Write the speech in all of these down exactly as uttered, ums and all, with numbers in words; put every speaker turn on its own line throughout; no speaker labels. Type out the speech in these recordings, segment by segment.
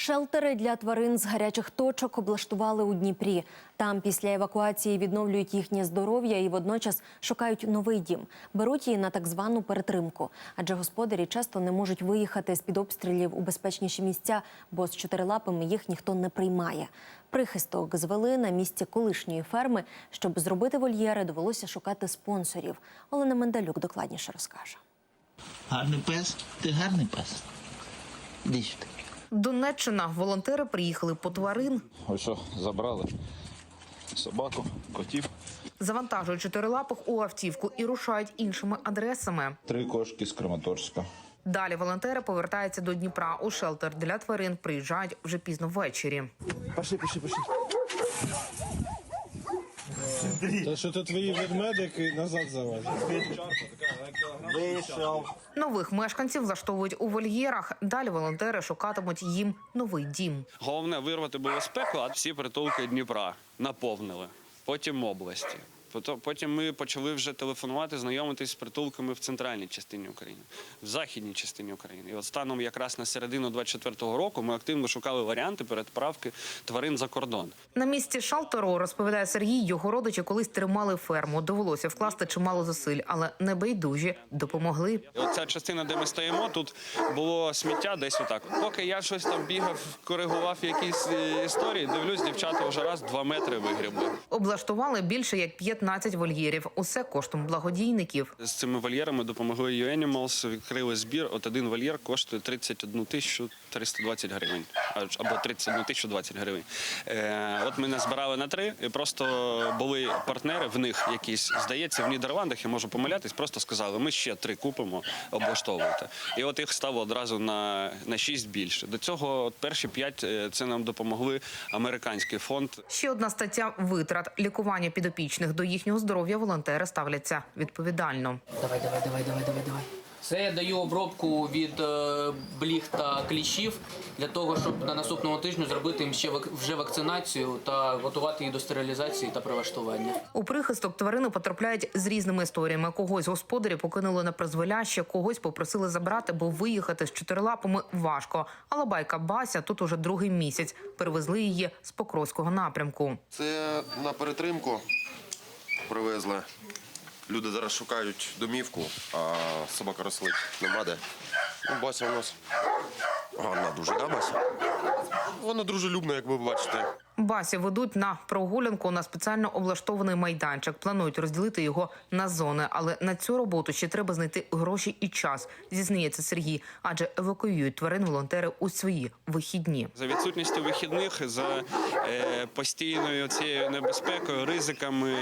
Шелтери для тварин з гарячих точок облаштували у Дніпрі. Там після евакуації відновлюють їхнє здоров'я і водночас шукають новий дім. Беруть її на так звану перетримку. Адже господарі часто не можуть виїхати з-під обстрілів у безпечніші місця, бо з чотирилапими їх ніхто не приймає. Прихисток звели на місці колишньої ферми. Щоб зробити вольєри, довелося шукати спонсорів. Олена Мендалюк докладніше розкаже.
Гарний пес? Ти гарний пес? Іди сюди.
Донеччина. Волонтери приїхали по тварин.
Ось що, забрали собаку, котів.
Завантажують чотирилапих у автівку і рушають іншими адресами.
Три кошки з Краматорська.
Далі волонтери повертаються до Дніпра. У шелтер для тварин приїжджають вже пізно ввечері.
Пішли, пішли, пішли.
Та що то твої ведмедики назад завозять?
Вийшов.
Нових мешканців влаштовують у вольєрах. Далі волонтери шукатимуть їм новий дім.
Головне вирвати безпеку, а всі притулки Дніпра наповнили. Потім області. Потім ми почали вже телефонувати, знайомитись з притулками в центральній частині України, в західній частині України. І от станом якраз на середину двадцять четвертого року ми активно шукали варіанти переправки тварин за кордон.
На місці шелтеру, розповідає Сергій, його родичі колись тримали ферму. Довелося вкласти чимало зусиль, але небайдужі допомогли.
І оця частина, де ми стоїмо, тут було сміття десь отак. Поки я щось там бігав, коригував якісь історії, дивлюсь, дівчата вже раз два метри вигрібли.
Облаштували більше як п'ятнадцять вольєрів. Усе коштом благодійників.
З цими вольєрами допомогли ю Animals, відкрили збір. От один вольєр коштує тридцять одну тисячу триста двадцять гривень. Або тридцять одну тисячу двадцять гривень. Е, от ми назбирали на три, і просто були партнери, в них якісь, здається, в Нідерландах, я можу помилятись, просто сказали, ми ще три купимо, облаштовуйте. І от їх стало одразу на, на шість більше. До цього от перші п'ять, це нам допомогли американський фонд.
Ще одна стаття витрат. Лікування підопічних. До їхнього здоров'я волонтери ставляться відповідально.
Давай, давай, давай, давай, давай, давай. Це я даю обробку від е, бліг та кліщів для того, щоб на наступному тижні зробити їм ще вак... вже вакцинацію та готувати їх до стерилізації та прилаштування.
У прихисток тварини потрапляють з різними історіями. Когось господарі покинули на призволяще, когось попросили забрати, бо виїхати з чотирилапами важко. Але байка Бася тут уже другий місяць. Перевезли її з Покровського напрямку.
Це на перетримку привезли. Люди зараз шукають домівку, а собака рослить нема де. Ну, Бася у нас гарна дуже, да, Бася? Вона дружелюбна, як ви бачите.
Басі ведуть на прогулянку на спеціально облаштований майданчик. Планують розділити його на зони. Але на цю роботу ще треба знайти гроші і час, зізнається Сергій. Адже евакуюють тварин волонтери у свої вихідні.
За відсутністю вихідних, за е, постійною цією небезпекою, ризиками,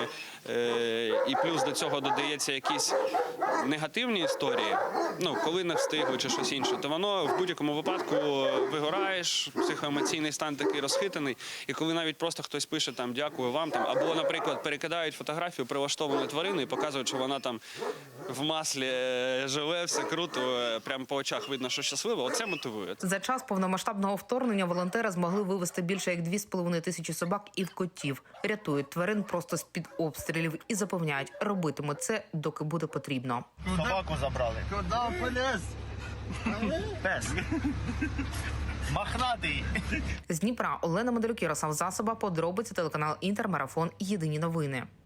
е, і плюс до цього додається якісь негативні історії, ну, коли не встигли чи щось інше, то воно в будь-якому випадку вигораєш, психоемоційний стан такий розхитаний. І коли навіть просто хтось пише там «дякую вам», там, або, наприклад, перекидають фотографію прилаштованої тварини і показують, що вона там в маслі живе, все круто, прямо по очах видно, що щаслива, оце мотивує.
За час повномасштабного вторгнення волонтери змогли вивезти більше як дві з половиною тисячі собак і котів. Рятують тварин просто з-під обстрілів і запевняють, робитимуть це, доки буде потрібно.
Собаку забрали. Куди полез? Пес. Мохнатий.
З Дніпра Олена Мендалюк, Ярослав Засоба, подробиці, телеканал Інтер, марафон, єдині новини.